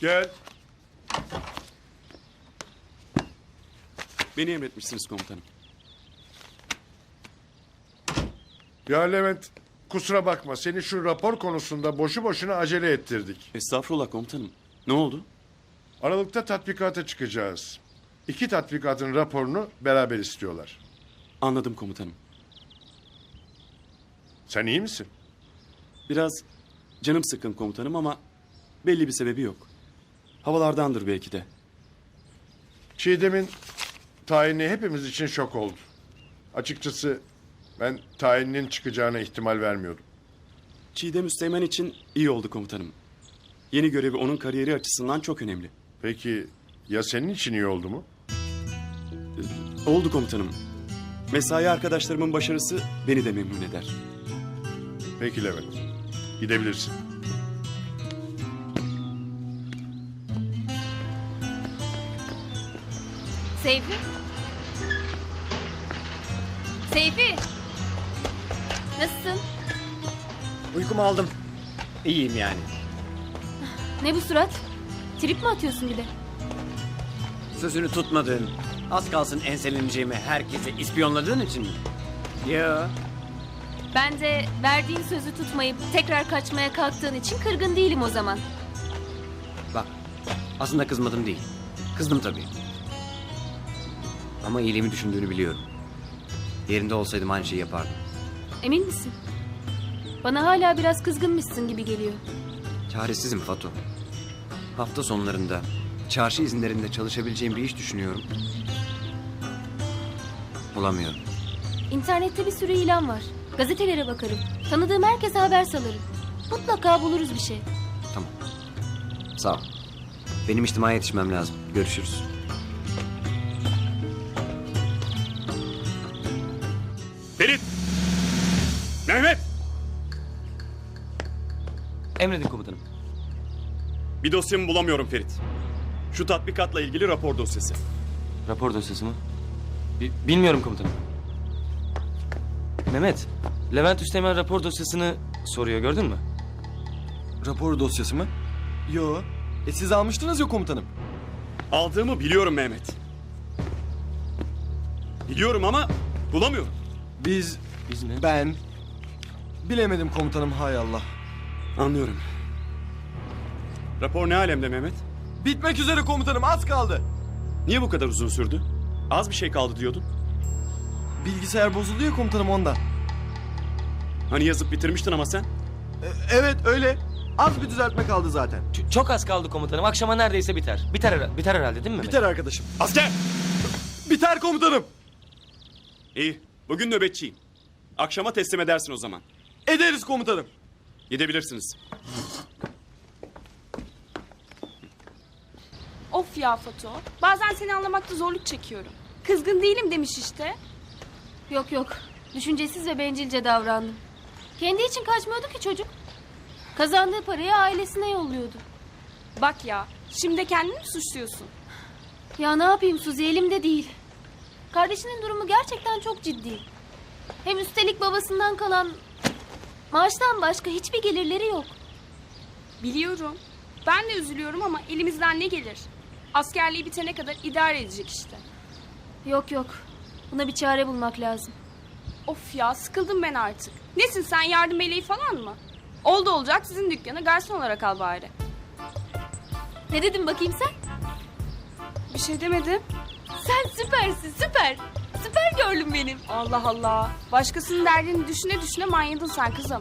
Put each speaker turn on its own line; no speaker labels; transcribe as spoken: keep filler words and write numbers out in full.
Gel.
Beni emretmişsiniz komutanım.
Ya Levent, kusura bakma, seni şu rapor konusunda boşu boşuna acele ettirdik.
Estağfurullah komutanım. Ne oldu?
Aralıkta tatbikata çıkacağız. İki tatbikatın raporunu beraber istiyorlar.
Anladım komutanım.
Sen iyi misin?
Biraz canım sıkkın komutanım ama belli bir sebebi yok. Havalardandır belki de.
Çiğdem'in tayini hepimiz için şok oldu. Açıkçası ben tayininin çıkacağına ihtimal vermiyordum.
Çiğdem Üsteğmen için iyi oldu komutanım. Yeni görevi onun kariyeri açısından çok önemli.
Peki ya senin için iyi oldu mu?
Oldu komutanım. Mesai arkadaşlarımın başarısı beni de memnun eder.
Peki Levent, gidebilirsin.
Seyfi? Seyfi! Nasılsın?
Uykumu aldım. İyiyim yani.
Ne bu surat? Trip mi atıyorsun bir de?
Sözünü tutmadın. Az kalsın enseleneceğimi herkese ispiyonladığın için mi? Ya.
Ben de verdiğin sözü tutmayıp tekrar kaçmaya kalktığın için kırgın değilim o zaman.
Bak, aslında kızmadım değil. Kızdım tabii. Ama iyiliğimi düşündüğünü biliyorum. Yerinde olsaydım aynı şeyi yapardım.
Emin misin? Bana hala biraz kızgınmışsın gibi geliyor.
Çaresizim Fatu. Hafta sonlarında, çarşı izinlerinde çalışabileceğim bir iş düşünüyorum. Bulamıyorum.
İnternette bir sürü ilan var. Gazetelere bakarım. Tanıdığım herkese haber salarım. Mutlaka buluruz bir şey.
Tamam. Sağ ol. Benim içtimaya yetişmem lazım. Görüşürüz.
Ferit! Mehmet!
Emredin komutanım.
Bir dosyamı bulamıyorum Ferit. Şu tatbikatla ilgili rapor dosyası.
Rapor dosyası mı? Bi- bilmiyorum komutanım. Mehmet, Levent Üsteğmen rapor dosyasını soruyor, gördün mü?
Rapor dosyası mı? Yo. E siz almıştınız ya komutanım.
Aldığımı biliyorum Mehmet. Biliyorum ama bulamıyorum.
Biz,
Biz mi?
ben... Bilemedim komutanım, hay Allah.
Anlıyorum. Rapor ne alemde Mehmet?
Bitmek üzere komutanım, az kaldı.
Niye bu kadar uzun sürdü? Az bir şey kaldı diyordun.
Bilgisayar bozuldu ya komutanım, ondan.
Hani yazıp bitirmiştin ama sen?
E, evet öyle. Az bir düzeltme kaldı zaten.
Ç- çok az kaldı komutanım. Akşama neredeyse biter. Biter, hera- biter herhalde değil mi Mehmet?
Biter arkadaşım.
Asker!
Biter komutanım.
İyi. Bugün nöbetçiyim. Akşama teslim edersin o zaman.
Ederiz komutanım.
Gidebilirsiniz.
Of ya Fatu. Bazen seni anlamakta zorluk çekiyorum. Kızgın değilim demiş işte.
Yok yok. Düşüncesiz ve bencilce davrandım. Kendi için kaçmıyordu ki çocuk. Kazandığı parayı ailesine yolluyordu.
Bak ya, şimdi de kendini mi suçluyorsun?
Ya ne yapayım Suzi, elimde değil. Kardeşinin durumu gerçekten çok ciddi. Hem üstelik babasından kalan maaştan başka hiçbir gelirleri yok.
Biliyorum. Ben de üzülüyorum ama elimizden ne gelir? Askerliği bitene kadar idare edecek işte.
Yok yok. Buna bir çare bulmak lazım.
Of ya, sıkıldım ben artık. Nesin sen, yardım meleği falan mı? Oldu olacak sizin dükkana garson olarak al bari.
Ne dedin bakayım sen?
Bir şey demedim.
Sen süpersin, süper. Süper gördün benim.
Allah Allah. Başkasının derdini düşüne düşüne manyadın sen kızım.